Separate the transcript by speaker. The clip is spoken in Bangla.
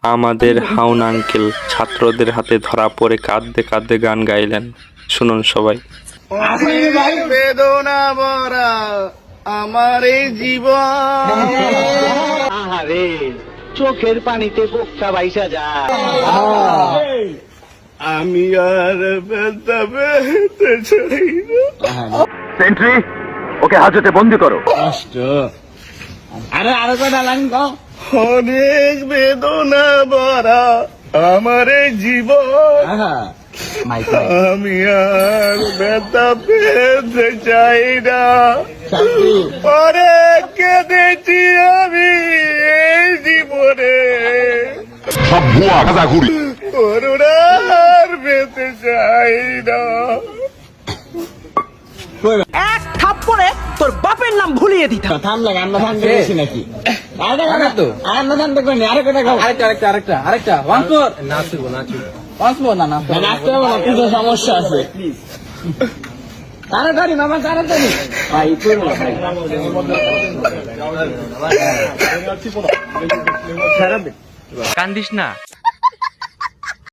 Speaker 1: আমাদের হাউন আঙ্কেল ছাত্রদের হাতে ধরা পড়ে কাঁদতে কাঁদতে গান গাইলেন। শুনুন সবাই।
Speaker 2: বেদনা ভরা আমার এই জীবন,
Speaker 3: আরে চোখের পানিতে বোকা বাইসা যায়।
Speaker 2: আমি আর ব্যথা পেতে চাই না।
Speaker 3: সেন্ট্রি, ওকে হাজতে বন্দি করো।
Speaker 2: অনেক বেদনা ভরা আমার এই জীবন, আমি আর ব্যথা পেতে চাই না। অনেক কেঁদেছি আমি এই জীবনে,
Speaker 4: সব ভুয়া গাঁজাখুরি।
Speaker 2: করুণার পেতে চাই না।
Speaker 5: এক থাপ্পড়ে তোর বাপের নাম ভুলিয়ে দিতাম।
Speaker 6: সমস্যা আছে। তাড়াতাড়ি মামা, তাড়াতাড়ি।
Speaker 1: কান্দিস না,